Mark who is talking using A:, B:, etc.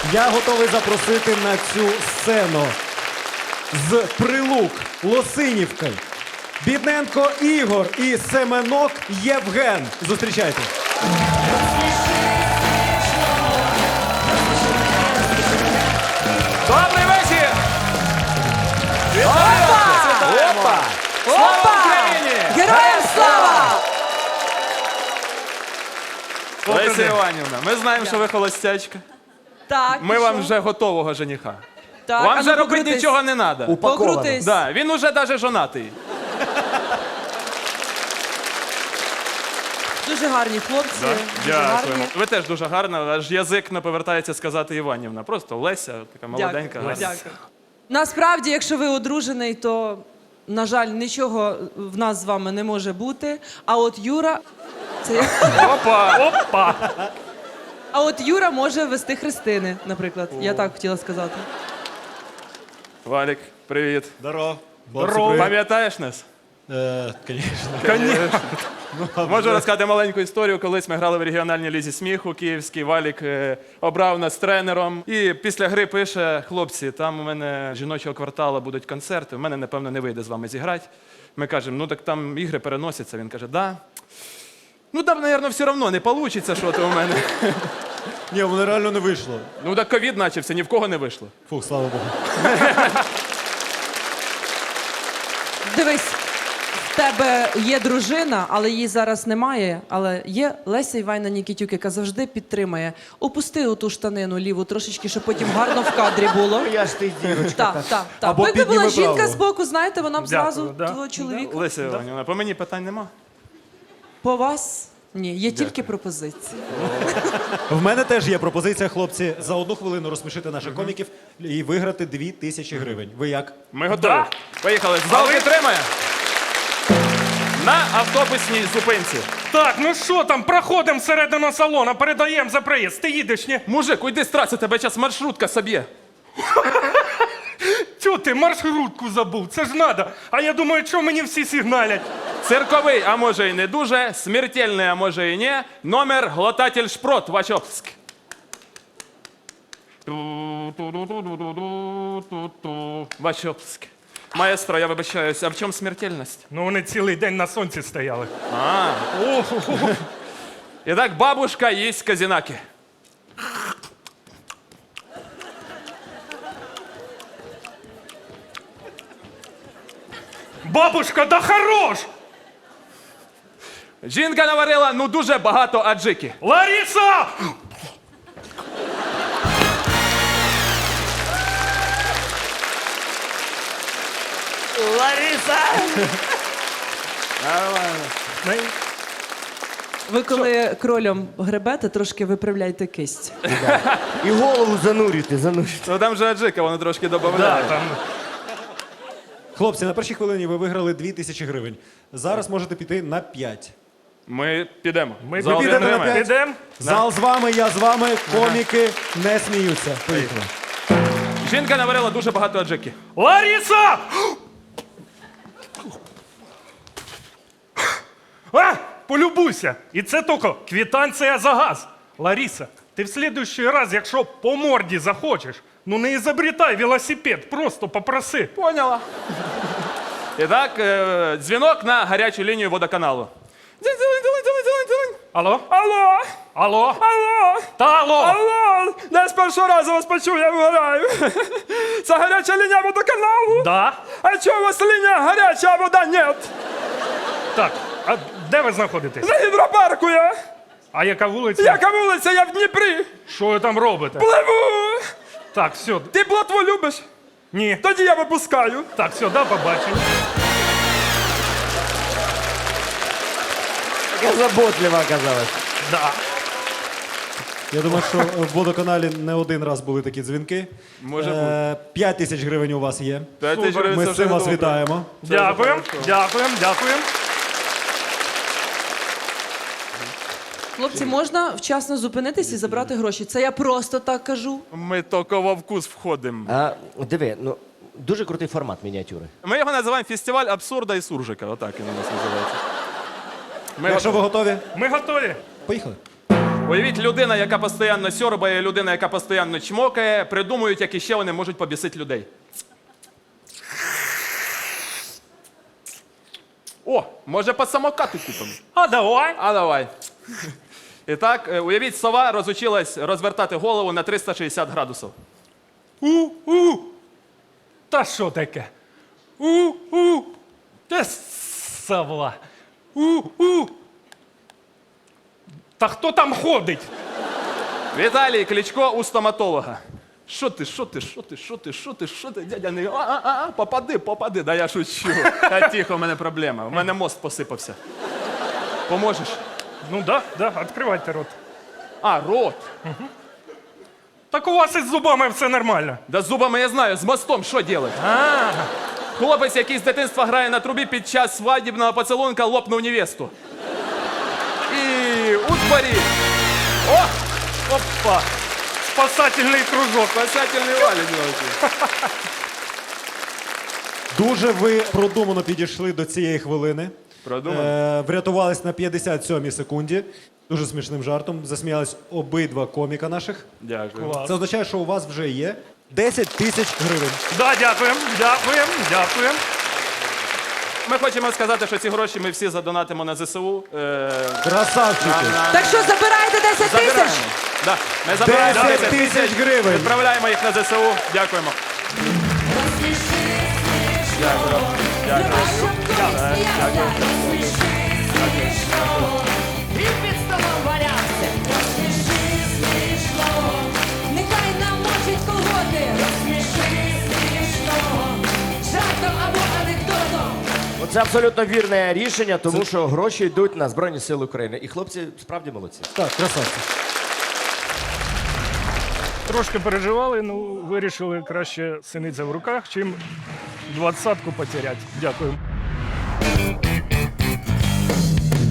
A: Я готовий запросити на цю сцену з Прилук, Лосинівки, Бідненко Ігор і Семенок Євген. Зустрічайте.
B: Добрий вечір!
C: Опа!
B: Слава Україні!
C: Героям слава!
B: Леся Іванівна, ми знаємо, що ви холостячка.
C: Так,
B: Ми
C: і
B: вам
C: що?
B: вже готового жениха.
C: Так,
B: Вам
C: а
B: вже
C: ну,
B: робити
C: покрутись.
B: нічого не треба.
C: Покрутись.
B: Да, він уже навіть жонатий.
C: Дуже гарні хлопці. Дуже гарні.
B: Ви теж дуже гарна, аж язик не повертається сказати Іванівна. Просто Леся, така молоденька.
C: Дякую.
B: гарна.
C: Дякую. Насправді, якщо ви одружений, то, на жаль, нічого в нас з вами не може бути. А от Юра... Це...
B: Опа!
C: А от Юра може вести хрестини, наприклад. Я так хотіла сказати.
B: Валік, привіт.
A: Здорово.
B: Пам'ятаєш нас?
A: Звісно.
B: Можу розказати маленьку історію. Колись ми грали в регіональній лізі сміху київській. Валік обрав нас тренером. І після гри пише: хлопці, там у мене жіночого кварталу будуть концерти, у мене, напевно, не вийде з вами зіграти. Ми кажемо, ну так там ігри переносяться. Він каже, да. Ну там, мабуть, все одно не вийде, що то у мене.
A: Ні, воно реально не вийшло.
B: Ну так ковід почався, ні в кого не вийшло.
A: Фух, слава Богу.
C: Дивись, в тебе є дружина, але її зараз немає. Але є Леся Іванівна Нікітюк, яка завжди підтримує. Опусти оту штанину ліву трошечки, щоб потім гарно в кадрі було.
D: Я ж ти дівочка.
C: Так.
A: Або
C: Якби була
A: підніми
C: жінка
A: праву.
C: з боку, знаєте, вона б зразу
D: Дякую, да.
C: твого чоловіка.
B: Леся Іванівна, по мені питань нема.
C: По вас? Ні, є тільки пропозиції.
A: В мене теж є пропозиція, хлопці, за 1 хвилину розсмішити наших коміків і виграти 2000 гривень. Ви як?
B: Ми готові. Поїхали. Зал підтримає. На автобусній зупинці.
E: Так, ну що там, проходимо всередину салону, передаємо за проїзд. Ти їдеш, ні?
B: Мужик, уйди з траси, тебе зараз маршрутка соб'є.
E: Чого ти маршрутку забув? Це ж надо. А я думаю, що мені всі сигналять.
B: Цирковий, а може і не дуже, смертельний, а може і не, номер глотатель шпрот, Вачовськ. Вачовськ. Маестро, я вибачаюсь, а в чому смертельність?
E: Ну вони цілий день на сонці стояли.
B: А. Итак, бабушка їсть казінаки.
E: Бабушка, да хорош!
B: Жінка наварила, ну, дуже багато аджики.
E: Лариса!
D: Лариса!
C: Ви коли кролем гребете, трошки виправляйте кисть.
D: І голову занурюйте.
B: Ну, там же аджика, воно трошки
E: Да,
B: додає.
E: там.
A: Хлопці, на першій хвилині ви виграли 2000 гривень. Зараз можете піти на 5.
B: Ми підемо.
E: Ми
B: Зал
A: підемо на
B: підтримає.
A: п'ять.
E: Підемо?
A: Зал з вами, я з вами, коміки не сміються. Поїхали.
B: Жінка наварила дуже багато аджики.
E: Лариса! А, полюбуйся. І це тільки квитанція за газ. Лариса, ти в следующий раз, якщо по морді захочеш, ну не ізобретай велосипед, просто попроси.
B: Поняла. Итак, дзвінок на гарячу лінію водоканалу. Дзинь-дзинь-дзинь-дзинь-дзинь-дзинь.
E: Алло?
B: Алло!
E: Алло?
B: Алло!
E: Та алло!
B: Алло! Я з першого разу вас почув, я вгораю. Це гаряча лінія водоканалу?
E: Да?
B: А чого у вас лінія гаряча, а вода нет?
E: Так, а де ви знаходитесь?
B: На гідропарку я.
E: А яка вулиця?
B: Яка вулиця, я в Дніпрі.
E: Що ви там робите?
B: Пливу.
E: Так, все.
B: Ти плотву любиш?
E: Ні.
B: Тоді я випускаю.
E: Так, все, до побачення.
D: Яка заботлива оказалась.
E: Да.
A: Я думаю, що в водоканалі не один раз були такі дзвінки.
B: Може бути.
A: 5000 гривень у вас є.
B: 5 тисяч гривень
A: Ми
B: це
A: з цим
B: вже
A: вас
B: добре.
A: вітаємо.
E: Дякуємо, дякуємо, дякуємо.
C: Хлопці, можна вчасно зупинитись і забрати гроші. Це я просто так кажу.
B: Ми тільки во вкус входимо.
D: А, диви, ну, дуже крутий формат мініатюри.
B: Ми його називаємо фестиваль абсурда і суржика. Отак він у нас називається. Ми
A: Якщо ви готові,
E: Ми готові.
A: поїхали.
B: Уявіть, людина, яка постійно сьорбає, людина, яка постійно чмокає, придумують, як іще вони можуть побісити людей. О, може по самокату купимо?
E: А давай.
B: А давай. І так, уявіть, сова розучилась розвертати голову на 360 градусів.
E: У. Та що таке? У. Та сова. У. Та хто там ходить?
B: Віталій Кличко у стоматолога. Що ти, дядя не... Попади. Да я шучу. Та тихо, у мене проблема. У мене мозк посипався. Поможеш?
E: Ну да, відкривайте рот.
B: А, рот.
E: Так у вас із зубами все нормально.
B: Да з зубами я знаю, з мостом що робити? Хлопець, який з дитинства грає на трубі, під час свадібного поцілунка лопнув невесту. І у дворі. О! Опа!
E: Спасательний кружок.
B: Спасательний валік.
A: Дуже ви продумано підійшли до цієї хвилини.
B: Продумано?
A: Врятувались на 57-й секунді. Дуже смішним жартом. Засміялись обидва коміка наших.
B: Дякую.
A: Це означає, що у вас вже є 10 тисяч гривень.
E: Да, дякуємо.
B: Ми хочемо сказати, що ці гроші ми всі задонатимо на ЗСУ.
A: Красавчики!
C: Так що забираєте 10 тисяч?
B: Забираємо. Да. Ми забираємо
A: 10 тисяч гривень!
B: Відправляємо їх на ЗСУ. Дякуємо.
F: І під столом валявся. Розсміши смішно, нехай намочить колготи. Розсміши смішно, жартом або анекдотом.
D: Це абсолютно вірне рішення, тому що гроші йдуть на Збройні Сили України. І хлопці справді молодці.
A: Так, красавці.
E: Трошки переживали, ну вирішили краще синиця в руках, чим 20-ку потеряти. Дякую.